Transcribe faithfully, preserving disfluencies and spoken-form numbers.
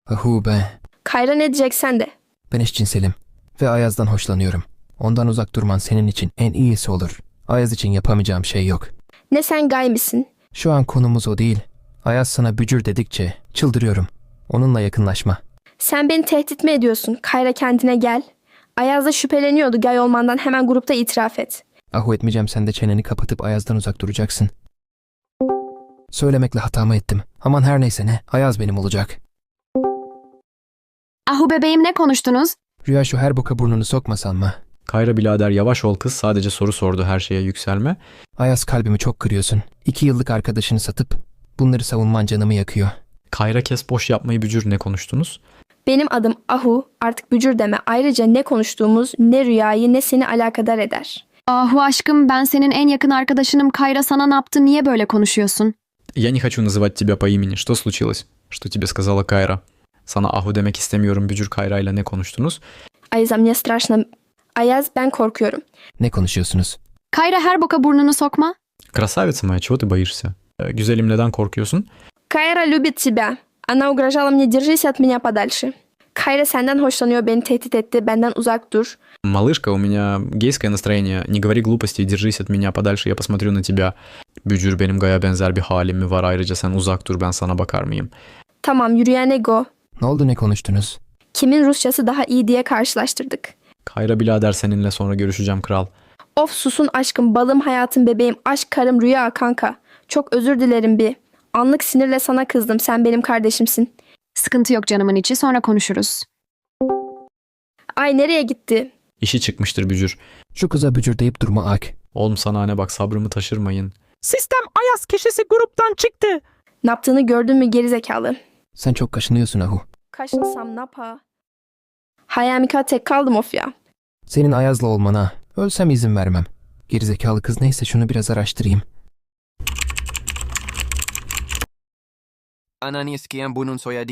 Ahu be. Kayra ne diyeceksen de. Ben eşcinselim. Ve Ayaz'dan hoşlanıyorum. Ondan uzak durman senin için en iyisi olur. Ayaz için yapamayacağım şey yok. Ne sen gay misin? Şu an konumuz o değil. Ayaz sana bücür dedikçe çıldırıyorum. Onunla yakınlaşma. Sen beni tehdit mi ediyorsun? Kayra kendine gel. Ayaz da şüpheleniyordu, gay olmandan hemen grupta itiraf et. Ahu etmeyeceğim, sen de çeneni kapatıp Ayaz'dan uzak duracaksın. Söylemekle hatamı ettim. Aman her neyse ne. Ayaz benim olacak. Ahu bebeğim ne konuştunuz? Rüya şu her boka burnunu sokmasan mı? Kayra birader yavaş ol kız, sadece soru sordu, her şeye yükselme. Ayaz kalbimi çok kırıyorsun. İki yıllık arkadaşını satıp bunları savunman canımı yakıyor. Kayra kes boş yapmayı bücür, ne konuştunuz? Benim adım Ahu, artık bücür deme. Ayrıca ne konuştuğumuz ne rüyayı ne seni alakadar eder. Ahu aşkım, ben senin en yakın arkadaşınım. Kayra sana ne yaptı, niye böyle konuşuyorsun? Я не хочу называть тебя по имени. Что случилось? Что тебе сказала Кайра? Sana Ahu demek istemiyorum bücür, Kayra ile ne konuştunuz? Ayaz, мне страшно. Ayaz, ben korkuyorum. Ne konuşuyorsunuz? Kayra her boka burnunu sokma. Красавица моя, чего ты боишься? Ee, Güzelim, neden korkuyorsun? Kayra любит тебя. Она угрожала мне, держись от меня подальше. Kayra senden hoşlanıyor, beni tehdit etti, benden uzak dur. Малышка, у меня гейское настроение. Не говори глупостей, держись от меня подальше, я посмотрю на тебя. Bücür, benim Gaya benzer bir halim mi var? Ayrıca sen uzak dur, ben sana bakar mıyım? Tamam, yürüyen ego. Ne oldu, ne konuştunuz? Kimin Rusçası daha iyi diye karşılaştırdık. Kayra birader, seninle sonra görüşeceğim kral. Of susun aşkım, balım, hayatım, bebeğim, aşk, karım, rüya, kanka. Çok özür dilerim bir. Anlık sinirle sana kızdım, sen benim kardeşimsin. Sıkıntı yok canımın içi, sonra konuşuruz. Ay nereye gitti? İşi çıkmıştır bücür. Şu kıza bücür deyip durma Ak. Oğlum sana ne bak, sabrımı taşırmayın. Sistem Ayaz kişisi gruptan çıktı. Ne yaptığını gördün mü gerizekalı? Sen çok kaşınıyorsun Ahu. Kaşınsam ne yapa? Hayamika tek kaldım of ya. Senin Ayaz'la olmana ölsem izin vermem. Gerizekalı kız, neyse şunu biraz araştırayım. Anani isteyen bunun soyadı